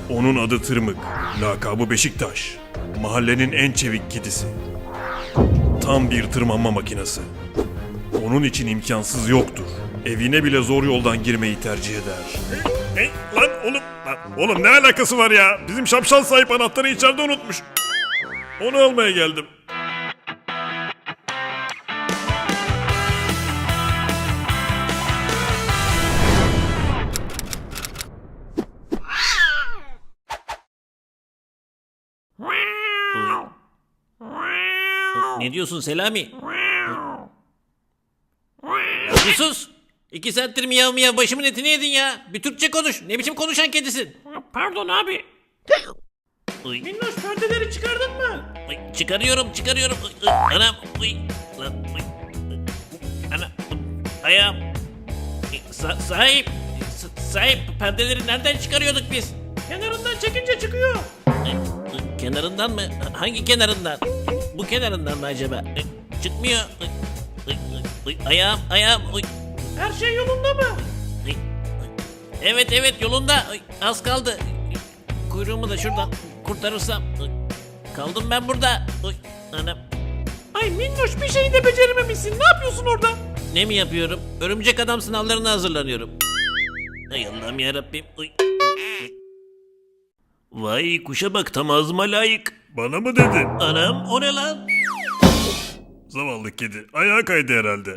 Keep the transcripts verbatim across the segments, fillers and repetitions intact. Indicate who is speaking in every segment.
Speaker 1: Onun adı Tırmık, lakabı Beşiktaş. Mahallenin en çevik kedisi. Tam bir tırmanma makinesi. Onun için imkansız yoktur. Evine bile zor yoldan girmeyi tercih eder. Hey, lan oğlum, lan, oğlum ne alakası var ya? Bizim şapşal sahip anahtarı içeride unutmuş. Onu almaya geldim.
Speaker 2: Ne diyorsun Selami? Ya bir sus. İki saattir miyav miyav başımın etini yedin ya. Bir Türkçe konuş. Ne biçim konuşan kedisin?
Speaker 3: Pardon abi.
Speaker 2: Uy.
Speaker 3: Minnoş perdeleri çıkardın mı?
Speaker 2: Uy, çıkarıyorum çıkarıyorum. Uy, uy, anam. Uy. Lan, uy. Ana. Ayağım. Sa- sahip. Sa- sahip perdeleri nereden çıkarıyorduk biz?
Speaker 3: Kenarından çekince çıkıyor.
Speaker 2: Uy, uy, kenarından mı? Hangi kenarından? Bu kenarından mı acaba? Uy, çıkmıyor. Uy, uy, uy, uy, ayağım ayağım. Uy.
Speaker 3: Her şey yolunda mı?
Speaker 2: Uy, uy. Evet evet yolunda. Uy, az kaldı. Uy, kuyruğumu da şuradan kurtarırsam. Uy, kaldım ben burada. Uy, anam.
Speaker 3: Ay Minnoş bir şeyi de becerememişsin. Ne yapıyorsun orada?
Speaker 2: Ne mi yapıyorum? Örümcek adam sınavlarına hazırlanıyorum. Ay Allah'ım yarabbim. Uy. Vay kuşa bak tam ağzıma layık.
Speaker 1: Bana mı dedin?
Speaker 2: Anam o ne lan?
Speaker 1: Zavallı kedi. Ayağa kaydı herhalde.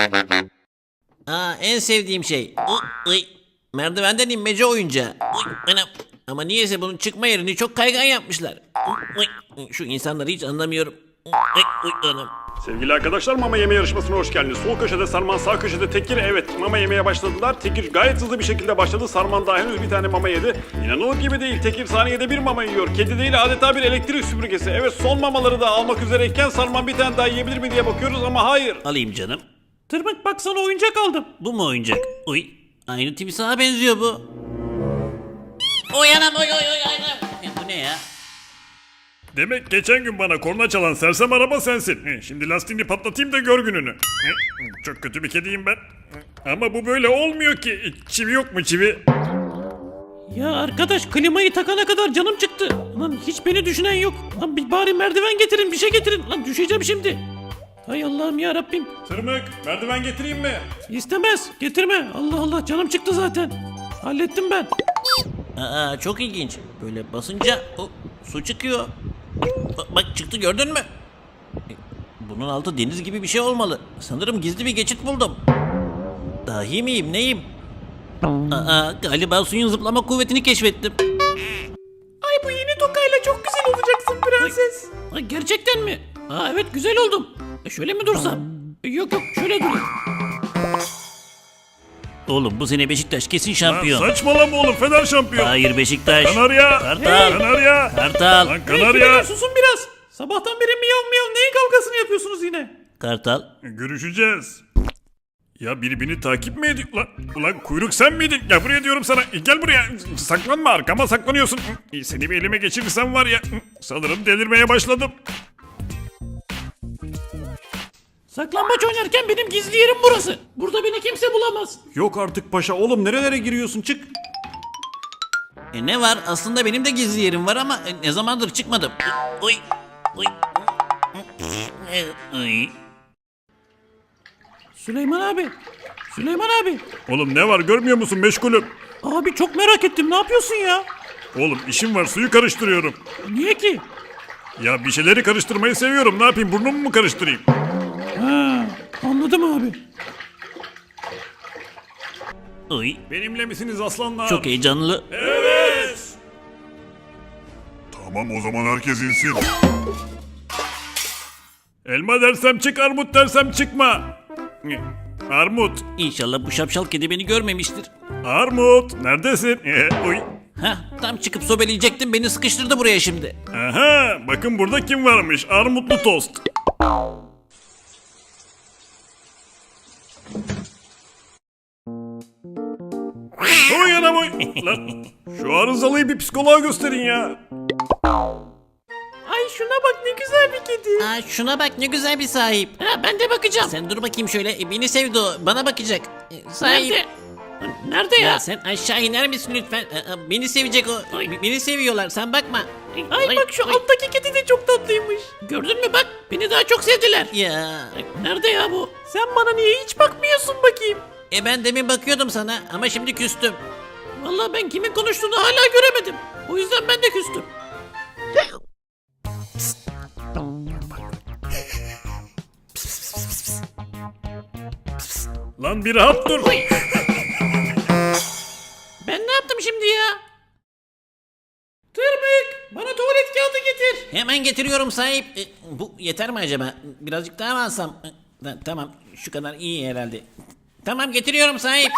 Speaker 2: Aa en sevdiğim şey. Uy, uy. Merdivenden inmece oyuncağı. Uy, anam. Ama niyeyse bunun çıkma yerini çok kaygan yapmışlar. Uy, uy. Şu insanları hiç anlamıyorum. Uy, uy, anam.
Speaker 4: Sevgili arkadaşlar mama yeme yarışmasına hoş geldiniz. Sol köşede Sarman, sağ köşede Tekir. Evet mama yemeye başladılar. Tekir gayet hızlı bir şekilde başladı. Sarman daha henüz bir tane mama yedi. İnanılır gibi değil. Tekir saniyede bir mama yiyor. Kedi değil adeta bir elektrik süpürgesi. Evet son mamaları da almak üzereyken Sarman bir tane daha yiyebilir mi diye bakıyoruz ama hayır.
Speaker 2: Alayım canım.
Speaker 3: Tırmık bak sana oyuncak aldım.
Speaker 2: Bu mu oyuncak? Uy. Aynı timsaha benziyor bu. Oy anam oy oy oy anam. E, bu ne ya?
Speaker 1: Demek geçen gün bana korna çalan sersem araba sensin. He, Şimdi lastiğini patlatayım da gör gününü. He, Çok kötü bir kediyim ben. Ama bu böyle olmuyor ki. Çivi yok mu çivi?
Speaker 3: Ya arkadaş klimayı takana kadar canım çıktı. Lan hiç beni düşünen yok. Lan bir bari merdiven getirin bir şey getirin. Lan düşeceğim şimdi. Hay Allah'ım ya Rabbim.
Speaker 1: Tırmık merdiven getireyim mi?
Speaker 3: İstemez getirme. Allah Allah canım çıktı zaten. Hallettim ben.
Speaker 2: Aa çok ilginç. Böyle basınca o, su çıkıyor. Ba- bak çıktı gördün mü? E, Bunun altı deniz gibi bir şey olmalı. Sanırım gizli bir geçit buldum. Dahi miyim neyim? Aa galiba suyun zıplama kuvvetini keşfettim.
Speaker 3: Ay bu yeni tokayla çok güzel olacaksın prenses. Ay, gerçekten mi? Aa evet güzel oldum. E, şöyle mi dursam? E, yok yok şöyle durayım.
Speaker 2: Oğlum bu sene Beşiktaş kesin
Speaker 1: Lan
Speaker 2: şampiyon.
Speaker 1: saçmalama oğlum Fener şampiyon.
Speaker 2: Hayır Beşiktaş.
Speaker 1: Kanarya.
Speaker 2: Kartal.
Speaker 1: Kanarya.
Speaker 2: Kartal.
Speaker 1: Lan
Speaker 3: Hey,
Speaker 1: kanarya.
Speaker 3: fileler, susun biraz. Sabahtan beri miyav miyav neyin kavgasını yapıyorsunuz yine?
Speaker 2: Kartal.
Speaker 1: Görüşeceğiz. Ya birbirini takip mi ediyor? Ulan, ulan kuyruk sen miydin? Ya buraya diyorum sana. Gel buraya. Saklanma arkama saklanıyorsun. Seni bir elime geçirirsem var ya. Sanırım delirmeye başladım.
Speaker 3: Saklambaç oynarken benim gizli yerim burası. Burada beni kimse bulamaz.
Speaker 4: Yok artık paşa oğlum nerelere giriyorsun çık.
Speaker 2: E ne var? Aslında benim de gizli yerim var ama e, ne zamandır çıkmadım. Uy. Uy. Uy.
Speaker 3: Süleyman abi. Süleyman abi.
Speaker 1: Oğlum ne var görmüyor musun meşgulüm?
Speaker 3: Abi çok merak ettim ne yapıyorsun ya?
Speaker 1: Oğlum işim var suyu karıştırıyorum.
Speaker 3: Niye ki?
Speaker 1: Ya bir şeyleri karıştırmayı seviyorum. Ne yapayım burnumu mu karıştırayım?
Speaker 3: Ha, anladım abi.
Speaker 2: Uy.
Speaker 1: Benimle misiniz aslanlar?
Speaker 2: Çok heyecanlı.
Speaker 1: Evet.
Speaker 5: Tamam o zaman herkes insin.
Speaker 1: Elma dersem çık armut dersem çıkma. Armut.
Speaker 2: İnşallah bu şapşal kedi beni görmemiştir.
Speaker 1: Armut. Neredesin? Uy.
Speaker 2: Heh, tam çıkıp sobeleyecektim beni sıkıştırdı buraya şimdi.
Speaker 1: Aha, bakın burada kim varmış? Armutlu tost. Oy anam oy. Lan, şu arızalıyı bir psikoloğa gösterin ya.
Speaker 3: Ay şuna bak ne güzel bir kedi.
Speaker 2: Aa, şuna bak ne güzel bir sahip.
Speaker 3: Ha, ben de bakacağım.
Speaker 2: Sen dur bakayım şöyle. E, beni sevdi o. Bana bakacak. E, sahip.
Speaker 3: Nerede? Lan nerede ya?
Speaker 2: Ya sen aşağı iner misin lütfen? Aa, beni sevecek o.
Speaker 3: Ay.
Speaker 2: Beni seviyorlar, sen bakma.
Speaker 3: Ay, bak şu
Speaker 2: ay.
Speaker 3: alttaki kedi de çok tatlıymış. Gördün mü bak beni daha çok sevdiler.
Speaker 2: Ya.
Speaker 3: Ay, nerede ya bu? Sen bana niye hiç bakmıyorsun bakayım?
Speaker 2: E ben demin bakıyordum sana ama şimdi küstüm.
Speaker 3: Vallahi ben kimin konuştuğunu hala göremedim. O yüzden ben de küstüm.
Speaker 1: Lan bir rahat dur.
Speaker 3: Ben ne yaptım şimdi ya? Tırmık bana tuvalet kağıdı getir.
Speaker 2: Hemen getiriyorum sahip. E, bu yeter mi acaba? Birazcık daha mı alsam? E, ta- tamam şu kadar iyi herhalde. Tamam getiriyorum sahip.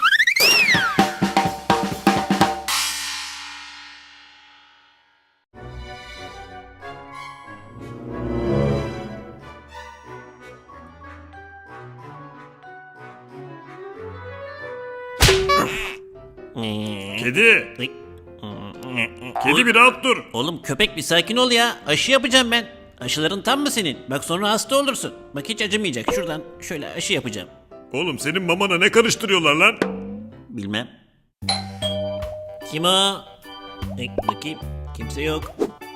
Speaker 1: Kedi. Kedi bir rahat dur.
Speaker 2: Oğlum köpek bir sakin ol ya. Aşı yapacağım ben. Aşıların tam mı senin? Bak sonra hasta olursun. Bak hiç acımayacak. Şuradan şöyle aşı yapacağım.
Speaker 1: Oğlum senin mamana ne karıştırıyorlar lan?
Speaker 2: Bilmem. Kim o? E, bakayım. Kimse yok.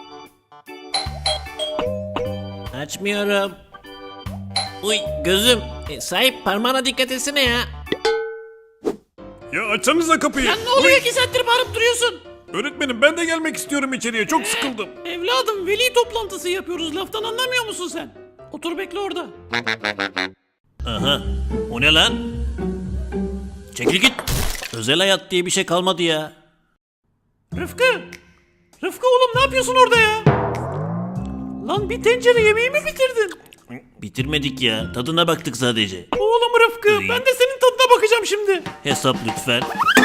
Speaker 2: Açmıyorum. Uy gözüm. E, sahip parmağına dikkat etsene ya.
Speaker 1: Ya açsanıza kapıyı.
Speaker 3: Lan ne oluyor
Speaker 1: Uy,
Speaker 3: iki saattir bağırıp duruyorsun?
Speaker 1: öğretmenim ben de gelmek istiyorum içeriye. Çok sıkıldım.
Speaker 3: Evladım veli toplantısı yapıyoruz laftan anlamıyor musun sen? Otur bekle orada.
Speaker 2: Aha. O ne lan? Çekil git. Özel hayat diye bir şey kalmadı ya.
Speaker 3: Rıfkı! Rıfkı oğlum ne yapıyorsun orada ya? Lan bir tencere yemeği mi bitirdin?
Speaker 2: Bitirmedik ya. Tadına baktık sadece.
Speaker 3: Oğlum Rıfkı ben de senin tadına bakacağım şimdi.
Speaker 2: Hesap lütfen.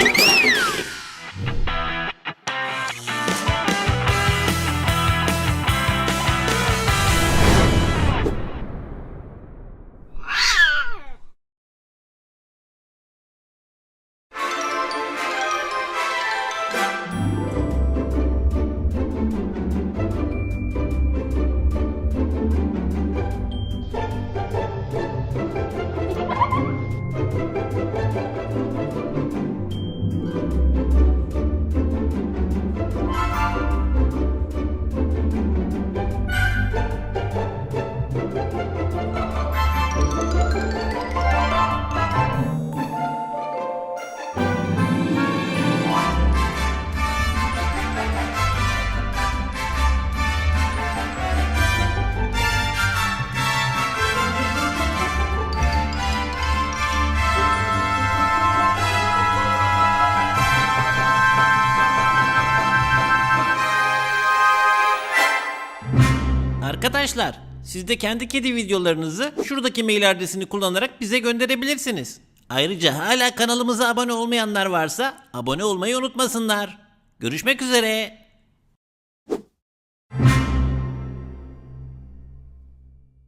Speaker 2: Arkadaşlar, siz de kendi kedi videolarınızı şuradaki mail adresini kullanarak bize gönderebilirsiniz. Ayrıca hala kanalımıza abone olmayanlar varsa abone olmayı unutmasınlar. Görüşmek üzere.